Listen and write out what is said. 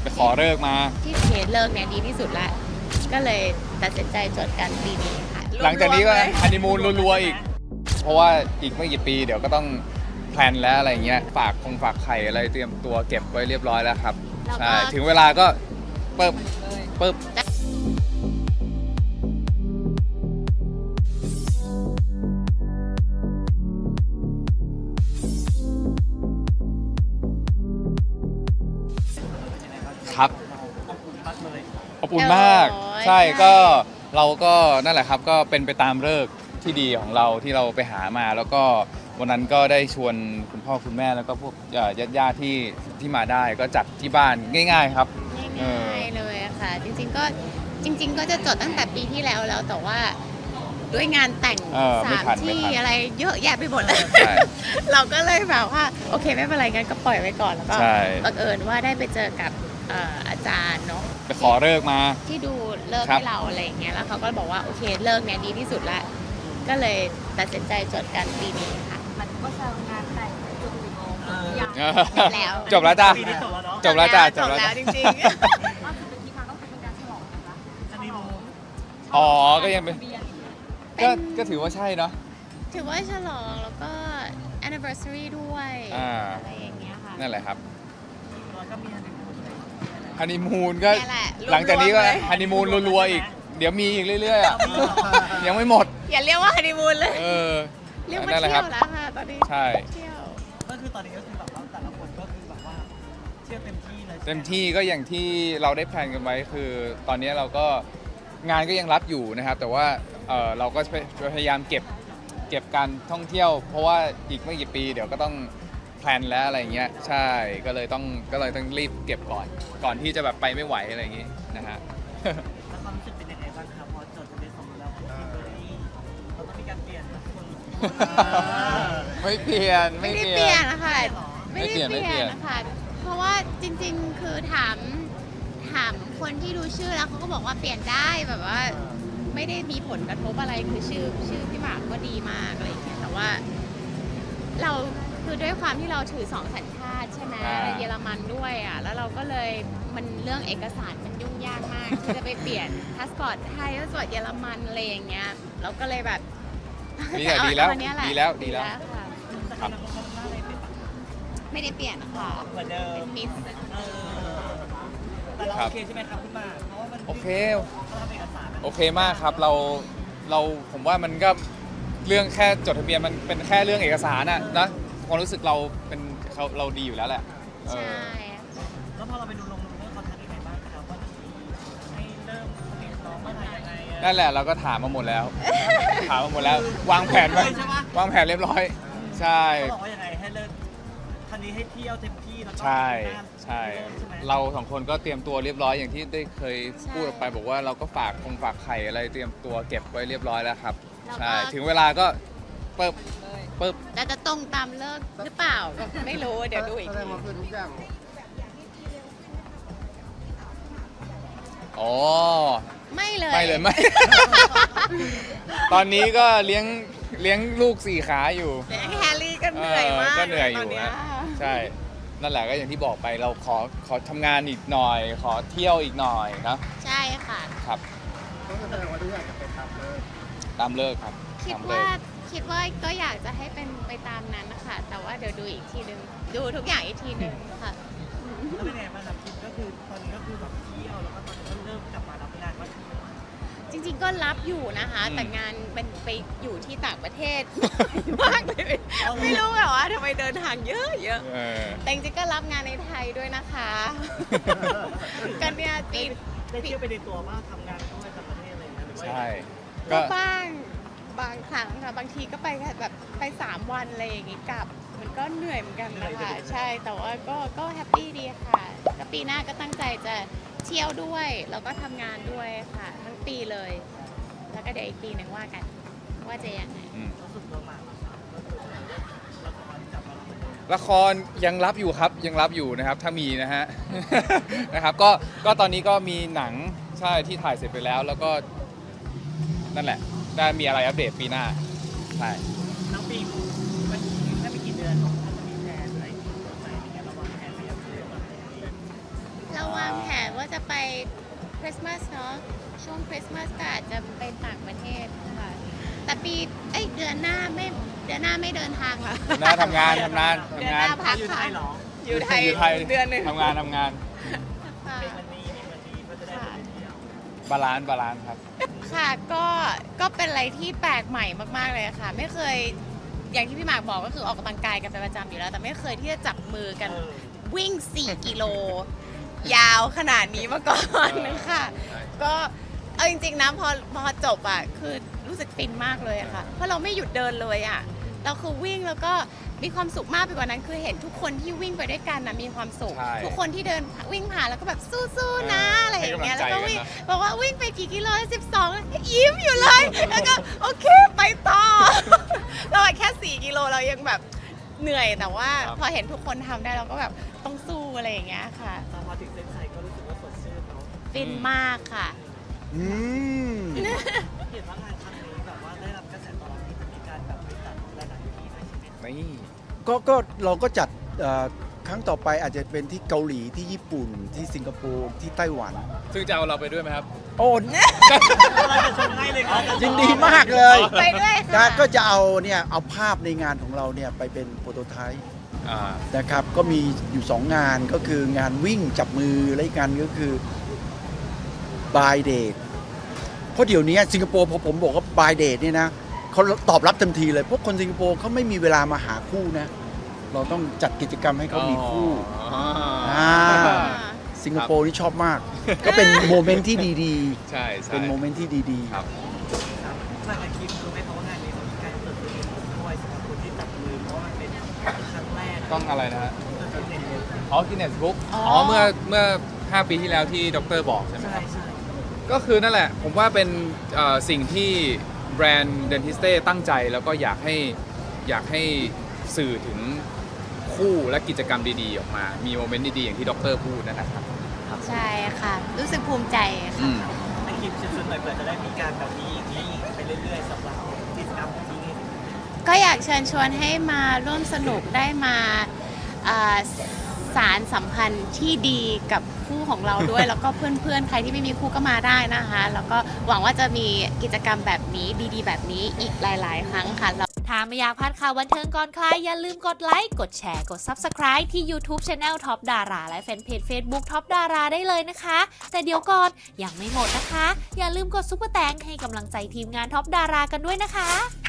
ขอเลิกมาที่เคสเลิกเนี่ยดีที่สุดละก็เลยตัดสินใจจดกันปีนี้ค่ะหลังจากนี้ก็รวมๆเลยฮันนีมูนรัวๆอีก เพราะว่าอีกไม่กี่ปีเดี๋ยวก็ต้องแพลนแล้วอะไรเงี้ยฝากไข่อะไรเตรียมตัวเก็บไว้เรียบร้อยแล้วครับใช่ถึงเวลาก็เปิบครับอบอุ่นมากโอ้ยใช่ใช่ก็เราก็นั่นแหละครับก็เป็นไปตามฤกษ์ที่ดีของเราที่เราไปหามา แล้วก็วันนั้นก็ได้ชวนคุณพ่อคุณแม่แล้วก็พวกญาติที่มาได้ก็จัดที่บ้านง่าย ๆ ครับง่ายๆเลยอะค่ะ จริงๆก็จะจดตั้งแต่ปีที่แล้วแต่ว่าด้วยงานแต่งไม่สามทันที่อะไรเยอะแยะไปหมดเลยใช่เราก็เลยแบบว่าโอเคไม่เป็นไรกันก็ปล่อยไว้ก่อนแล้วก็ใช่บังเอิญว่าได้ไปเจอกับอาจารย์เนาะไปขอเลิกมาที่ดูเลิกครับให้เราอะไรอย่างเงี้ยแล้วเขาก็บอกว่าโอเคเลิกเนี่ยดีที่สุดละก็เลยตัดสินใจจดกันปีนี้ค่ะมันก็แซวงานแต่งจนกี่โมงยังแล้วจบแล้วจ้าปีนี้จบแล้วเนาะจบแล้วจ้าจบแล้วจริงก็คือเป็นที่มาก็คือเป็นการฉลองนะคะอันนี้มูอ๋อก็ยังเป็นทะเบียนก็ถือว่าใช่เนาะๆ ถือว่าฉลองแล้วก็ anniversary ด้วย อะไรอย่างเงี้ยค่ะนั่นแหละครับเราก็มีอันนี้มูฮันนีมูนก็เนี่ยแหละรวมๆหลังจากนี้ก็เลยฮันนีมูนรัวๆอีก เดี๋ยวมีอีกเรื่อยๆอ่ะยังไม่หมดอย่าเรียกว่าฮันนีมูนเลยเออเรียกว่านั่นแหละเที่คยรับวแล้วค่ะตอนนี้ใช่เที่ยวก็คือตอนนี้ก็คือแบบว่าแต่ละคนก็คือแบบว่าเที่ยวเต็มที่เลยเต็มที่ก็อย่างที่เราได้แพลนกันไว้คือตอนนี้เราก็งานก็ยังรับอยู่นะครับ แต่ว่าเราก็พยายามเก็บการท่องเที่ยว เพราะว่าอีกไม่กี่ปีเดี๋ยวก็ต้องแพลนแล้วอะไรเงี้ยใช่ก็เลยต้องรีบเก็บก่อนที่จะแบบไปไม่ไหวอะไรอย่างงี้นะฮะแล้วความรู้สึกเป็นยังไงบ้างครับพอจดทะเบียนสมรสแล้วทีมเบอร์รี่เราต้องมีการเปลี่ยนนะคนไม่เปลี่ยนไม่ได้เปลี่ยนนะคะไม่ไม่เปลี่ได้ยนเปลี่ยนนะคะ เพราะว่าจริงๆ คือถามคนที่ดูชื่อแล้วเขาก็บอกว่าเปลี่ยนได้แบบว่า ไม่ได้มีผลกระทบอะไรคือชื่อพี่หมากก็ดีมากอะไรอย่างเงี้ยแต่ว่า เราคือด้วยความที่เราถือ2 สัญชาติใช่ไหมอ่าเยอรมันด้วยอ่ะแล้วเราก็เลยมันเรื่องเอกสารมันยุ่งยากมาก ที่จะไปเปลี่ยนพาสปอร์ตไทยพาสปอร์ตเยอรมันอะไรอย่างเงี้ยเราก็เลยแบบนี่แหละดีแล้วเอาอันเนี้ยหะดีแล้วค่ะแต่ทำไมเราต้องหน้าอะไรเป็นแบบไม่ได้เปลี่ยนค่ะเหมือนเดิมเป็นมิสแต่เราโอเคใช่ไหมครับคุณหมากเพราะว่ามันโอเคเขาทำเอกสารมันโอเคมากครับเราผมว่ามันก็เรื่องแค่จดทะเบียนมันเป็นแค่เรื่องเอกสารอะนะความรู้สึกเราดีอยู่แล้วแหละเอใช่อแล้วพอเราไปดูลงเรื่องเขาทำยังไงบ้างครับว่าให้เริ่มผลิตน้องเมื่อไหร่ยังไงอะนั่นแหละเราก็ถามมาหมดแล้ว ถามมาหมดแล้ว วางแผนไว้ใช่ปะวางแผนเรียบร้อย ใช่เขาบอกว่ายังไงให้เริ่มคันนี้ให้เที่ยวเต็มที่แล้วก็ใช่ปีหน้าใช่ใช่ไหมเราสองคนก็เตรียมตัวเรียบร้อยอย่างที่ได้เคยพูดออกไปบอกว่าเราก็ฝากไข่อะไรเตรียมตัวเก็บไว้เรียบร้อยแล้วครับใช่ถึงเวลาก็เปิบแต่จะตรงตามเลิกหรือเปล่าก็ไม่รู้เดี๋ยวดูอีกทีอ๋อไม่เลยไม่เลยไม่ ตอนนี้ก็เลี้ยงลูก4 ขาอยู่เดี๋ยวแฮร์รี่ก็เหนื่อยมากก็เหนื่อยอตยู่นนี้ฮะใช่ นั่นแหละก็อย่างที่บอกไปเราขอทำงานอีกหน่อย ขอเที่ยวอีกหน่อยนะใช่ค่ะครับตามเลิกครับคิดตามเลิว่าก คิดว่าก็อยากจะให้เป็นไปตามนั้นนะคะแต่ว่าเดี๋ยวดูอีกทีหนึ่งดูทุกอย่างอีกทีหนึ่งค่ะแล้วเป็นไงบ้างครับคิดก็คือตอนนี้ก็คือแบบเที่ยวแล้วก็ตอนนี้ก็เริ่มกลับมารับงานว่าจริงๆก็รับอยู่นะคะ แต่งานเป็นไปอยู่ที่ต่างประเทศ มากเลย ไม่รู้แบบว่าทำไมเดินทางเยอะเออแต่จริงๆก็รับงานในไทยด้วยนะคะ กันเนี่ยปีได้เที่ยวไปในตัวว่าทำงานด้วยต่างประเทศอะไรอย่างเงี้ยหรือว่าใช่ก็ก็บ้างบางครั้งค่ะบางทีก็ไปแค่แบบไป3 วันอะไรอย่างงี้กลับ มันก็เหนื่อยเหมือนกันนะคะใช่แต่ว่าก็แฮปปี้ดีค่ะแล้วปีหน้าก็ตั้งใจจะเที่ยวด้วยแล้วก็ทำงานด้วยค่ะ ทั้งปีเลย แล้วก็เดี๋ยวอีกปีหนึ่งว่ากัน ว่าจะยังไงอืมรู้สึกตัวมากก็คือละครกลับมารับเหมือนเดิมละครยังรับอยู่ครับยังรับอยู่นะครับถ้ามีนะฮ ะ นะครับก็ตอนนี้ก็มีหนังใช่ที่ถ่ายเสร็จไปแล้ว แล้วก็นั่นแหละได้มีอะไรอัปเดตปีหน้าใช่ทั้งปีมันแค่ไม่กี่เดือนถ้าจะมีแผนอะไรที่สดใสในการระวางแผนไปยังไงบ้างเราวางแผจะไปคริสต์มาสเนาะช่วงคริสต์มาสก็อาจจะไปต่างประเทศค่ะแต่เดือนหน้าไม่เดินทางละหน้าทำงานเดือนหน้าพักอยู่ไทค่ะยเหรออยู่ไทยอยู่ไทยเดือนหนึ่งทำงานค่ะเป็นวันนี้ก็จะได้ไปเที่ยวบาลานซ์ครับค่ะก็เป็นอะไรที่แปลกใหม่มากๆเลยค่ะ ไม่เคยอย่างที่พี่หมากบอกก็คือออกกำลังกายกันเป็นประจำอยู่แล้ว แต่ไม่เคยที่จะจับมือกันวิ่ง 4 กิโล ยาวขนาดนี้มาก่อนนะคะก็เอาจริงๆนะพอจบอ่ะคือรู้สึกฟินมากเลยอะค่ะ เพราะเราไม่หยุดเดินเลยอ่ะเราคือวิ่งแล้วก็มีความสุขมากไปกว่านั้นคือเห็นทุกคนที่วิ่งไปด้วยกันนะมีความสุขใช่ทุกคนที่เดินวิ่งผ่านแล้วก็แบบสู้ๆนะอะไรอย่างเงี้ยให้แล้วกำลัก็งใจวิ่งกันนะบอกว่าวิ่งไปกี่กิโล12ยิ้มอยู่เลย แล้วก็โอเคไปต่อ เราแค่ 4 กิโลเรายังแบบเหนื่อยแต่ว่าพอเห็นทุกคนทำได้เราก็แบบต้องสู้อะไรอย่างเงี้ยค่ะตอนมาถึงเส้นชัยก็รู้สึกว่าสดชื่นเนาะฟินมากค่ะอืมเห็นว่างานครั้งนี้แบบว่าได้รับกระแสตอบรับที่จะมีการแบบไปจัดหลายๆที่ด้วยใช่ไหมครับนี่ก็เราก็จัดครั้งต่อไปอาจจะเป็นที่เกาหลีที่ญี่ปุ่นที่สิงคโปร์ที่ไต้หวันซึ่งจะเอาเราไปด้วยไหมครับโอ้เราจะชมให้เลยครับยินดีมากเลยไปด้วยนะค่ะก็จะเอาภาพในงานของเราเนี่ยไปเป็นโปรโตไทป์อ่านะครับก็มีอยู่ 2 งานก็คืองานวิ่งจับมือและอีกงานก็คือ by date เพราะเดี๋ยวนี้สิงคโปร์พอผมบอกว่า by date เนี่ยนะเขาตอบรับทันทีเลยเพราะคนสิงคโปร์เขาไม่มีเวลามาหาคู่นะ เราต้องจัดกิจกรรมให้เขามีคู่อ๋ออ่า สิงคโปร์นี่ชอบมาก ก็เป็นโมเมนต์ที่ดีใช่ๆใช่เป็นโมเมนต์ที่ดีครับครับทางอาชีพรู้ไหมครับว่างานนี้เขามีการจดทะเบียนด้วยสำหรับคนที่จับมือเพราะว่ามันเป็นครั้งแรกต้องอะไรนะฮะจดทะเบียนเลยอ๋อ Guinness Book อ๋ออ๋อ เมื่อ 5 ปีที่แล้วที่ดรบอกใช่ไหมใช่ครับใช่ก็คือนั่นแหละ ผมว่าเป็นสิ่งที่แบรนด์ Dentiste ตั้งใจแล้วก็อยากให้สื่อถึงคู่และกิจกรรมดีๆ ออกมา มีโมเมนต์ดีๆ อย่างที่ดรพูดนั่นแหละครับใช่ค่ะ รู้สึกภูมิใจค่ะอืมในคลิปเชิญๆหน่อยเผื่อจะได้มีการแบบนี้อย่างนี้ไปเรื่อยๆสำหรับกิจกรรมที่นี่ก็อยากเชิญชวนให้มาร่วมสนุกได้มาสารสัมพันธ์ที่ดีกับคู่ของเราด้วย แล้วก็เพื่อนๆ ใครที่ไม่มีคู่ก็มาได้นะคะ แล้วก็หวังว่าจะมีกิจกรรมแบบนี้ดีๆ แบบนี้อีกหลายๆ ครั้งค่ะถ้าไม่อยากพลาดข่าวบันเทิงก่อนใครอย่าลืมกดไลค์ กดแชร์ กด Subscribe ที่ YouTube Channel Top Dara และแฟนเพจ Facebook Top Dara ได้เลยนะคะ แต่เดี๋ยวก่อนยังไม่หมดนะคะ อย่าลืมกดซุปเปอร์แตงให้กำลังใจทีมงาน Top Dara กันด้วยนะคะ